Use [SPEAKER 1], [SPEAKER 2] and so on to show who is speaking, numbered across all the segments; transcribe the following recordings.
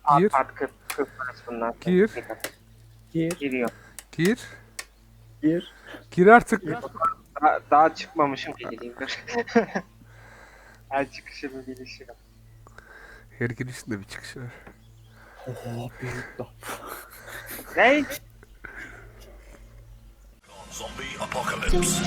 [SPEAKER 1] Gir.
[SPEAKER 2] At 40 bunlar.
[SPEAKER 1] Gir.
[SPEAKER 3] Gir.
[SPEAKER 2] Giriyor.
[SPEAKER 1] Gir.
[SPEAKER 3] Gir.
[SPEAKER 1] Gir artık.
[SPEAKER 2] Daha çıkmamışım ki gireyim dur. Her çıkışımı gelişirim.
[SPEAKER 1] Her girişinde bir çıkış var.
[SPEAKER 3] Oha büyük laf.
[SPEAKER 2] Ne?
[SPEAKER 4] Zombie apocalypse.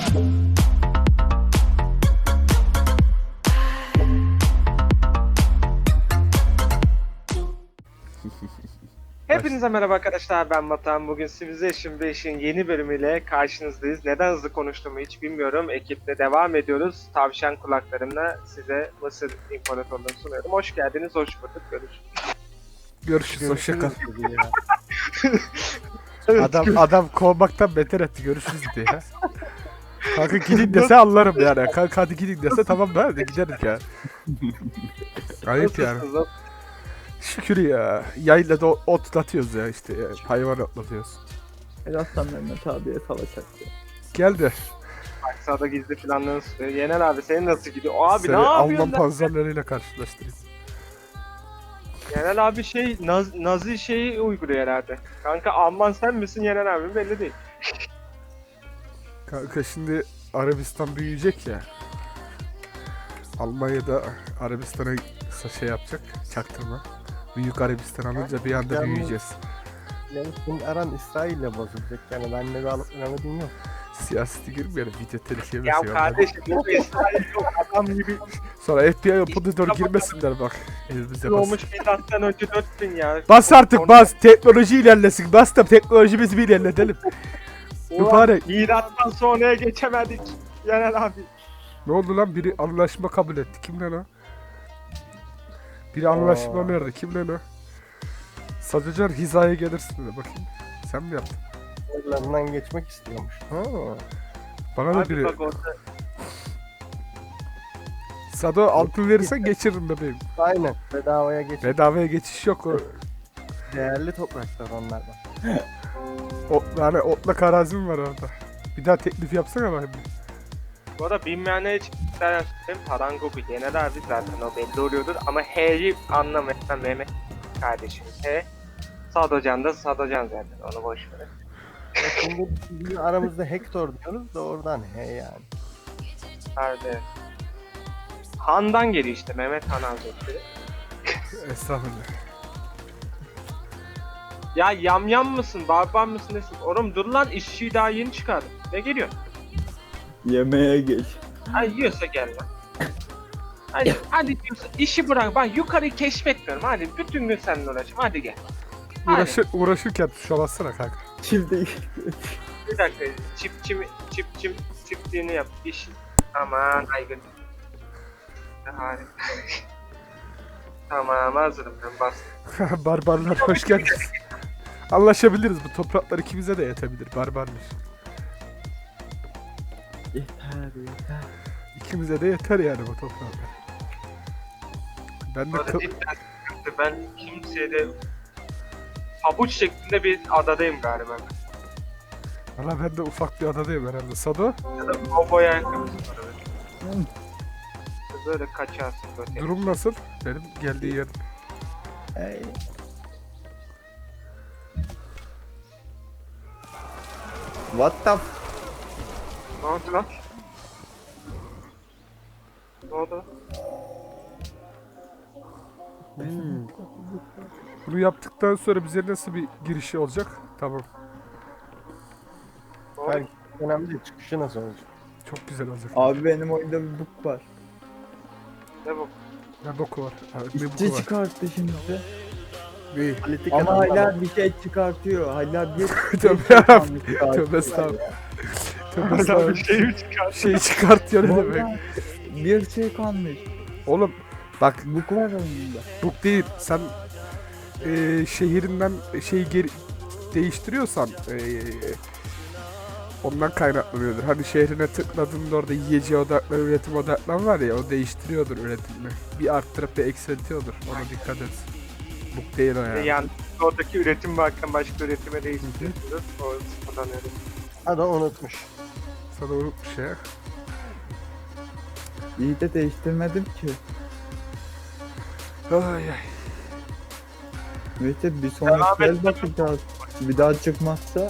[SPEAKER 2] Hepinize merhaba arkadaşlar, ben Batuhan. Bugün Civilization 5'in yeni bölümüyle karşınızdayız. Neden hızlı konuştuğumu hiç bilmiyorum. Ekiple devam ediyoruz. Tavşan kulaklarımla size Mısır İmparatorluğu'nu sunuyorum. Hoş geldiniz, hoş bulduk. Görüşürüz.
[SPEAKER 1] Görüşürüz. Hoşça kal.
[SPEAKER 3] Ya.
[SPEAKER 1] Adam kovmaktan beter etti. Görüşürüz diye. Ya. Kanka gidin dese anlarım yani. Kanka hadi gidin dese tamam ben de giderim ya. Ayıp yani.
[SPEAKER 2] Nasılsınız?
[SPEAKER 1] Şükür ya. Yayla da otlatıyoruz ya işte. Ya. Hayvan otlatıyoruz.
[SPEAKER 3] Helal Mehmet abiye savaş açtı.
[SPEAKER 1] Gel de
[SPEAKER 2] Aksa'da gizli planlarını sunuyor. Yener abi senin nasıl gidiyor? Abi
[SPEAKER 1] seni
[SPEAKER 2] ne
[SPEAKER 1] Alman
[SPEAKER 2] yapıyorsun lan?
[SPEAKER 1] panzerleriyle karşılaştırayım.
[SPEAKER 2] Yener abi Nazi şeyi uyguluyor herhalde. Kanka Alman sen misin Yener abi belli değil.
[SPEAKER 1] Kanka şimdi Arabistan büyüyecek ya. Almanya'da Arabistan'a şey yapacak, çaktırma. Büyük Arabistan alınca bir anda büyüyeceğiz.
[SPEAKER 5] Yani senin aran İsrail'le bozulacak yani benimle bir alıp önemli yok.
[SPEAKER 1] Siyaseti girmeyelim, video tehlikeli
[SPEAKER 2] Ya
[SPEAKER 1] şey
[SPEAKER 2] kardeşim bu İsrail yok adam gibi
[SPEAKER 1] Sonra FBI operatör girmesinler bak. Elimize bas.
[SPEAKER 2] olmuş milattan önce 4000 ya.
[SPEAKER 1] Bas artık bas, teknoloji ilerlesin. Bas da teknolojimizi bir ilerletelim. Mübarek.
[SPEAKER 2] Milattan sonraya geçemedik. Yener abi.
[SPEAKER 1] Ne oldu lan? Biri anlaşma kabul etti. Kim lan o? Biri anlaşma nerede? Kim lan o? Sadıcan hizaya gelirsin de bakayım. Sen mi yaptın?
[SPEAKER 5] Oralarından geçmek istiyormuş. Ha.
[SPEAKER 1] Bana da
[SPEAKER 2] Abi
[SPEAKER 1] biri.
[SPEAKER 2] bak orada
[SPEAKER 1] Sado altın verirsen geçiririm bebeğim.
[SPEAKER 5] Aynen. Bedavaya geç.
[SPEAKER 1] Bedavaya geçiş yok o.
[SPEAKER 5] Değerli topraklar onlardan.
[SPEAKER 1] Yani otlak arazim var orada. Bir daha teklif yapsana bakayım.
[SPEAKER 2] bu arada bilmeyenler için istersen söyleyeyim. Parangogu Yener abi zaten o belli oluyordur ama H'yi anlamayan Mehmet kardeşimiz. H. Sadocan da Sadocan zaten onu boş ver.
[SPEAKER 5] Şimdi bizim aramızda Hector diyoruz da oradan he yani.
[SPEAKER 2] Hadi. Han'dan geliyor işte Mehmet Han Hazretleri.
[SPEAKER 1] Estağfurullah.
[SPEAKER 2] Ya yamyam mısın, barbar mısın nesin? Oğlum dur lan işçiyi daha yeni çıkardım. Ne geliyor?
[SPEAKER 3] Yemeğe geç.
[SPEAKER 2] Hadi yiyorsa gel lan. Hadi diyorsa işi bırak. Ben yukarıyı keşfetmiyorum. Hadi bütün gün seninle uğraşayım. Hadi gel. Hadi.
[SPEAKER 1] Uğraşırken tuşa bassana kanka.
[SPEAKER 3] Şimdi
[SPEAKER 2] Bir dakika. Çiftliğini yap. İş. Aman aygın. Harika. Tamam hazırım ben bastım.
[SPEAKER 1] Barbarlar hoş geldiniz. Anlaşabiliriz, bu topraklar ikimize de yetebilir barbarlar.
[SPEAKER 3] yeter.
[SPEAKER 1] İkimize de yeter yani bu topraklar. Ben de
[SPEAKER 2] Böyle cidden sıkıntı. Ben kimseye de pabuç şeklinde bir adadayım galiba.
[SPEAKER 1] Valla ben de ufak bir adadayım herhalde. Sado,
[SPEAKER 2] Ya da kovboy ayakkabısı var öyle. Böyle kaçarsın böyle.
[SPEAKER 1] durum nasıl? Benim geldiği yer.
[SPEAKER 3] Hey. What the f...
[SPEAKER 2] Ne oldu lan? Ne oldu?
[SPEAKER 1] Bunu yaptıktan sonra bize nasıl bir girişi olacak? Tamam.
[SPEAKER 2] Ne oldu?
[SPEAKER 5] Yani önemli değil. Çıkışı nasıl olacak?
[SPEAKER 1] Çok güzel olacak.
[SPEAKER 3] Abi benim oyunda bir bug var.
[SPEAKER 2] Ne bu?
[SPEAKER 1] Ne boku var? Ne
[SPEAKER 3] İşçi
[SPEAKER 1] boku var?
[SPEAKER 3] çıkarttı şimdi.
[SPEAKER 1] Ne?
[SPEAKER 5] Politik
[SPEAKER 3] Ama
[SPEAKER 5] adamlar-
[SPEAKER 3] hala bir şey çıkartıyor. Hala bir
[SPEAKER 1] Tövbe
[SPEAKER 3] şey
[SPEAKER 1] yarabbim.
[SPEAKER 3] çıkartıyor.
[SPEAKER 1] Tövbe estağfurullah. Tövbe
[SPEAKER 2] Hala bir
[SPEAKER 1] estağfurullah.
[SPEAKER 2] şey mi çıkar?
[SPEAKER 1] Şeyi çıkartıyor ne demek?
[SPEAKER 3] Vallahi bir şey kalmış.
[SPEAKER 1] Oğlum bak
[SPEAKER 3] Bug var oyunda.
[SPEAKER 1] bu değil. Sen şehrinden şeyi geri değiştiriyorsan ondan kaynaklanıyordur. Hani şehrine tıkladığında orada yiyeceğe odaklan, üretim odaklan var ya, o değiştiriyordur üretimini. Bir arttırıp bir eksiltiyordur. Ona dikkat et. Bu değil o yani.
[SPEAKER 2] Yani oradaki üretim varken başka üretime değiştiriyorsunuz. O sıfırdan öyle.
[SPEAKER 5] Adam unutmuş.
[SPEAKER 1] Sana unutmuş ya.
[SPEAKER 3] İyi de değiştirmedim ki.
[SPEAKER 1] Ay ay.
[SPEAKER 3] Mete bir sonraki
[SPEAKER 2] Devam
[SPEAKER 3] el bakacağız. Bir daha çıkmazsa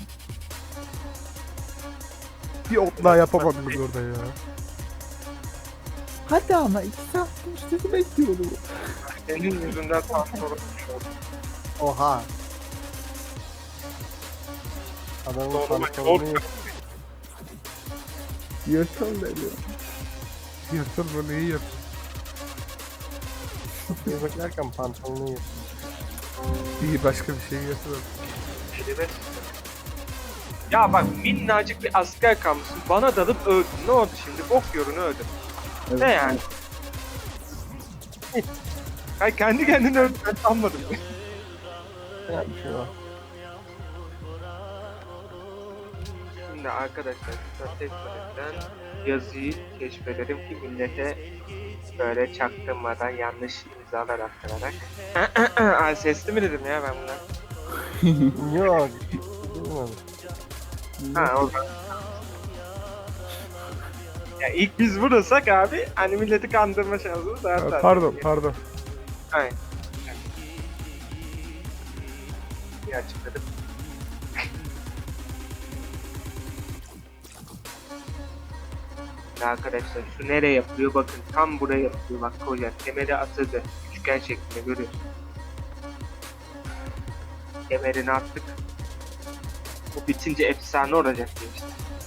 [SPEAKER 1] Bir ot daha yapamadınız orada ya.
[SPEAKER 3] hadi ama 2 saattir sizi bekliyorum.
[SPEAKER 2] Senin yüzünden tam sorun.
[SPEAKER 5] Oha. Adamın
[SPEAKER 2] Doğru,
[SPEAKER 5] pantolonu yok.
[SPEAKER 3] Yırtıl veriyor.
[SPEAKER 1] Yırtıl bunu iyi yırt.
[SPEAKER 5] Bir beklerken pantolonu yok.
[SPEAKER 1] İyi başka bir şey yırtıl.
[SPEAKER 2] Kelime. Ya bak minnacık bir asker kalmışsın. Bana dalıp öldün. Ne oldu şimdi? Bok yorunu öldün.
[SPEAKER 3] Evet.
[SPEAKER 2] Ne yani? Hayır kendi kendine öldün. Ben sanmadım.
[SPEAKER 5] Ya bir şey var.
[SPEAKER 2] Şimdi arkadaşlar Strateji'den yazıyı keşfederim ki millete böyle çaktırmadan yanlış imzalar attırarak. Ay sesli mi dedim ya ben buna?
[SPEAKER 5] Yok. Bilmiyorum.
[SPEAKER 2] Ha o zaman. Ya ilk biz vurursak abi hani milleti kandırma şansımız daha fazla.
[SPEAKER 1] Pardon.
[SPEAKER 2] Aynen. İyi açıkladım. Arkadaşlar şu nereye yapılıyor bakın tam buraya yapılıyor bak koca kemeri atıldı üçgen şeklinde görüyorsun. Kemerini attık. Bu bitince efsane olacak diye işte.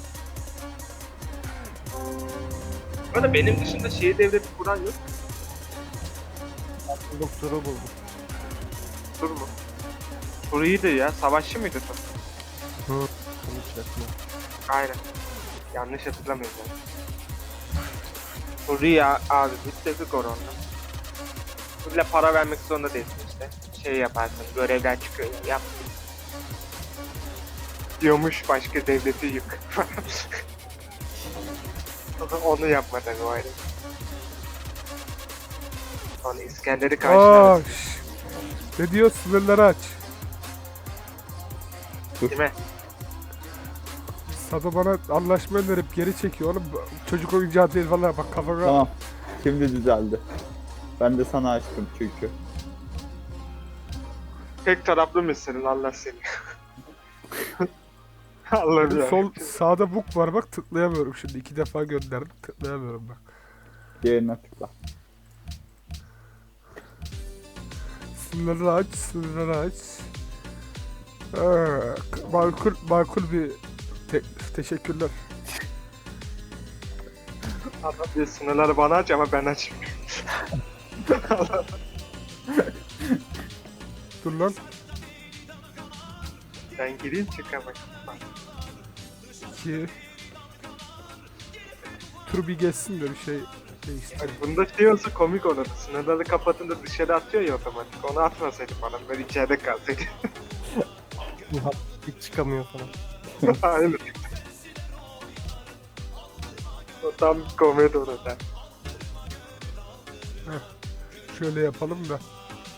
[SPEAKER 2] Böyle benim dışında şehir devleti kuran yok.
[SPEAKER 5] Buldum, turu buldum.
[SPEAKER 2] Tur mu? Tur iyiydi ya. Savaşçı mıydı Tur?
[SPEAKER 5] Turu içerisinde.
[SPEAKER 2] Aynen. Yanlış hatırlamıyorum ben. Tur iyi ya abi. Bitirdik onu ondan. Turla para vermek zorunda değilsin işte. Şey yaparsın. Görevler çıkıyor. Yap. Diyormuş başka devleti yık. Onu yapma tabii o ayrı. Sonra İskender'i
[SPEAKER 1] Aa,
[SPEAKER 2] karşılarız.
[SPEAKER 1] ne diyor? Sınırları aç.
[SPEAKER 2] Kime?
[SPEAKER 1] Sado bana anlaşma önerip geri çekiyor oğlum. Çocuk oyuncağı değil valla bak kafana.
[SPEAKER 3] Tamam. Şimdi düzeldi. Ben de sana açtım çünkü.
[SPEAKER 2] Tek taraflı mısın Allah seni. Allah'ım ya.
[SPEAKER 1] Sol sağda book var bak tıklayamıyorum şimdi. 2 defa gönderdim tıklayamıyorum bak.
[SPEAKER 3] Diğerine tıkla.
[SPEAKER 1] Sınırları aç. Makul bir teşekkürler.
[SPEAKER 2] Adam diyor sınırları bana aç ama ben açmıyorum.
[SPEAKER 1] Dur lan.
[SPEAKER 2] Ben gireyim çıkamayım.
[SPEAKER 1] 2 Tur bir geçsin de bir şey değiştir.
[SPEAKER 2] Bak bunda şey olsa komik olurdu. Sınırları kapatınca dışarı atıyor ya otomatik. Onu atmasaydı bana. Ben içeride kalsaydı.
[SPEAKER 5] Nihat hiç çıkamıyor falan.
[SPEAKER 2] Aynen. O tam bir komedi olur ha.
[SPEAKER 1] Şöyle yapalım da.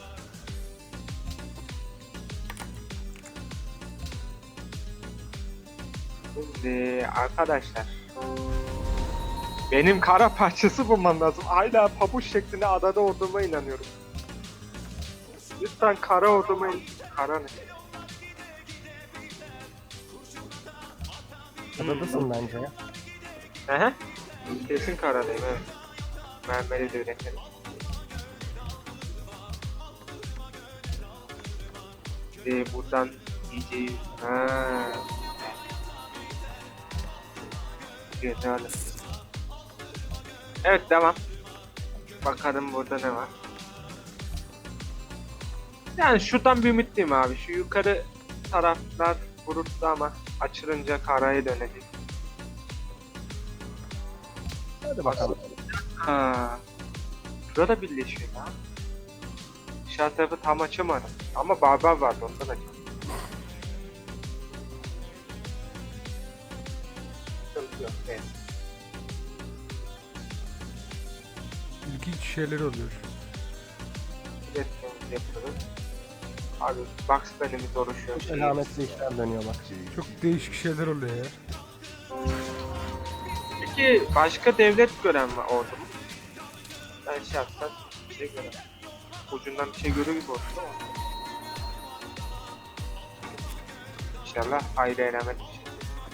[SPEAKER 2] Şimdi arkadaşlar. Benim kara parçası bulmam lazım. Hala pabuç şeklinde adada olduğuma inanıyorum. Lütfen kara olduğuma Kara ne?
[SPEAKER 5] Adadasın bence ya.
[SPEAKER 2] Ehe. Kesin karadayım evet. Mermeri de üretelim. Buradan iyice... Ha. Güzel. Evet devam. Bakalım burada ne var. Yani şuradan bir ümitliyim abi. Şu yukarı taraflar bulutlu ama açılınca karaya dönecek.
[SPEAKER 5] Hadi bakalım.
[SPEAKER 2] Ha. Burada birleşiyor lan. Aşağı tarafı tam açamadım. Ama barbar vardı ondan açamadım. Sıkıntı yok. Evet.
[SPEAKER 1] İlginç şeyler oluyor.
[SPEAKER 2] İletişimimizi yapıyoruz. Abi Bugsman'imiz oluşuyor.
[SPEAKER 5] Çok alametli işler dönüyor bak.
[SPEAKER 1] Çok değişik şeyler oluyor ya.
[SPEAKER 2] Peki başka devlet gören mi oldu mu? Ben şahsen bir şey göremem. Ucundan bir şey görüyor gibi oldu ama. inşallah hayırlı elamet bir şey.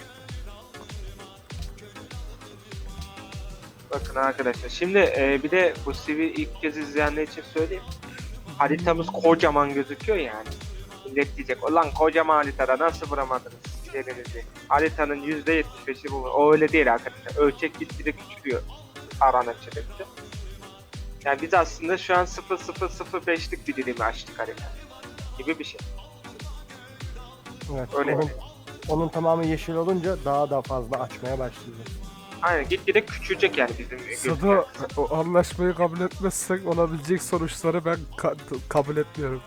[SPEAKER 2] Bakın arkadaşlar şimdi bir de bu CV ilk kez izleyenler için söyleyeyim. Haritamız kocaman gözüküyor yani. Millet diyecek ulan kocaman haritada nasıl vuramadınız yerinizi. Haritanın %75'i bu. O öyle değil arkadaşlar. Ölçek gitgide küçülüyor. Aran açılınca. Yani biz aslında şu an 0,005'lik bir dilimi açtık harita. Gibi bir şey.
[SPEAKER 5] Evet.
[SPEAKER 2] Öyle.
[SPEAKER 5] Onun tamamı yeşil olunca daha da fazla açmaya başlayacak.
[SPEAKER 2] Aynen gitgide küçülecek yani bizim
[SPEAKER 1] Sado o anlaşmayı kabul etmezsek olabilecek sonuçları ben kabul etmiyorum.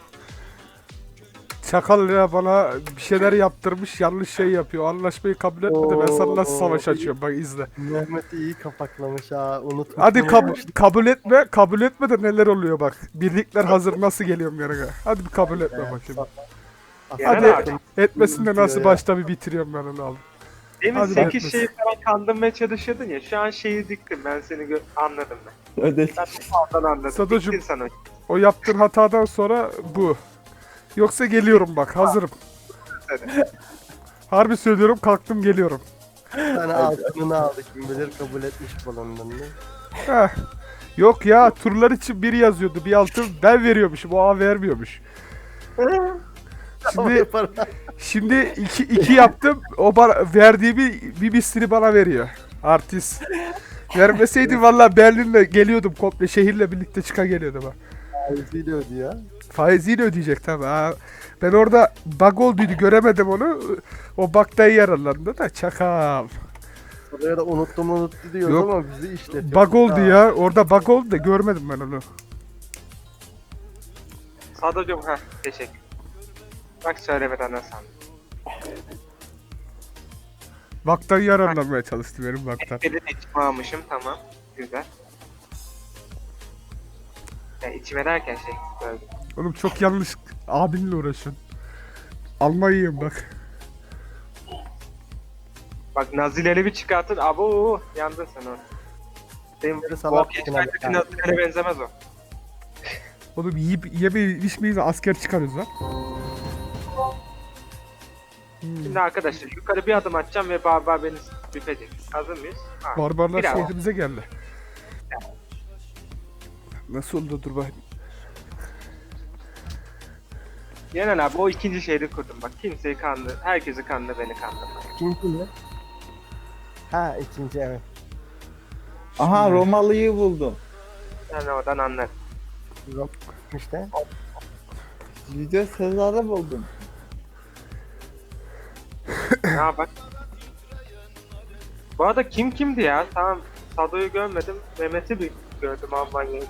[SPEAKER 1] Çakal ya bana bir şeyler yaptırmış yanlış şey yapıyor. O anlaşmayı kabul etmedi ben sana nasıl savaş açıyorum bak izle.
[SPEAKER 5] Mehmet'i iyi kapaklamış ha. Unutma.
[SPEAKER 1] Hadi kabul etme de neler oluyor bak. Birlikler hazır nasıl geliyorum yanına. Hadi bir kabul etme bakayım. Hadi etmesin de nasıl başta bir bitiriyorum ben onu abi.
[SPEAKER 2] Demin
[SPEAKER 1] Hadi
[SPEAKER 2] 8
[SPEAKER 1] bakmasın.
[SPEAKER 2] şeyi falan kandırmaya çalışıyordun ya. Şu an şeyi diktim ben seni anladım ben.
[SPEAKER 3] Ödedik.
[SPEAKER 2] Ben de oradan anladım.
[SPEAKER 1] Sadocuğum.
[SPEAKER 2] Diktin sana.
[SPEAKER 1] O yaptığın hatadan sonra bu. Yoksa geliyorum bak hazırım. Harbi söylüyorum kalktım geliyorum.
[SPEAKER 5] Sana altınını aldı. Kim bilir kabul etmiş balonlarını.
[SPEAKER 1] Heh. Yok ya turlar için biri yazıyordu bir altın ben veriyormuşum o A vermiyormuş. Şimdi iki yaptım o bana verdiğimi bir mislini bana veriyor. Artist. Vermeseydi valla Berlin'le geliyordum komple şehirle birlikte geliyordum ha.
[SPEAKER 5] Faiziyle ödüyor.
[SPEAKER 1] Faiziyle ödeyecek tabi ha. Ben orada bug olduydu göremedim onu. O bug'dan yararlandı da çakal.
[SPEAKER 5] Oraya da unuttu diyoruz
[SPEAKER 1] Yok.
[SPEAKER 5] ama bizi işletiyor.
[SPEAKER 1] Bug oldu ya. Orada bug oldu da görmedim ben onu.
[SPEAKER 2] Sadocuğum teşekkür. Bak söylemeden nasıl anladım.
[SPEAKER 1] Bug'dan yararlanmaya çalıştı benim bug'dan.
[SPEAKER 2] Bir de içime almışım tamam. Güzel. Ya içime derken şey böyle.
[SPEAKER 1] Oğlum çok yanlış abinle uğraşın. Almanya'yım bak.
[SPEAKER 2] Bak nazileri bir çıkartın. Abo yandın sen o. Benim
[SPEAKER 5] Yarı
[SPEAKER 2] bu
[SPEAKER 5] salak
[SPEAKER 2] geçmerdeki
[SPEAKER 5] yani.
[SPEAKER 2] nazilere benzemez o.
[SPEAKER 1] Oğlum yiyip yemeyi içmeyi asker çıkarıyoruz lan.
[SPEAKER 2] Şimdi arkadaşlar yukarı bir adım atacağım ve barbar beni büfecek. Hazır mıyız?
[SPEAKER 1] Barbarlar
[SPEAKER 2] Biraz.
[SPEAKER 1] şehrimize geldi. Nasıl oldu dur bakayım.
[SPEAKER 2] Yenen abi o ikinci şehri kurdum bak. Kimseyi kandı. Herkesi kandı beni kandırma.
[SPEAKER 5] İkinci mi? Ha ikinci evet.
[SPEAKER 3] Aha Romalı'yı buldum.
[SPEAKER 2] Ben oradan anlarım.
[SPEAKER 5] Yok işte.
[SPEAKER 3] Video Sezar'ı buldum.
[SPEAKER 2] Ya bak. Bu arada kim kimdi ya? Tamam Sado'yu görmedim. Mehmet'i bir gördüm Almanya'yı.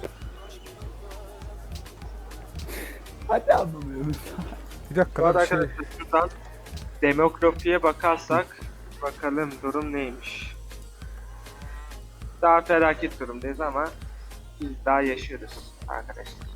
[SPEAKER 3] Hadi anlamıyoruz.
[SPEAKER 1] Bir dakika
[SPEAKER 2] Bu arada
[SPEAKER 1] lan şey.
[SPEAKER 2] arkadaşlar şuradan demografiye bakarsak bakalım durum neymiş. Daha felaket durumdayız ama biz daha yaşıyoruz arkadaşlar.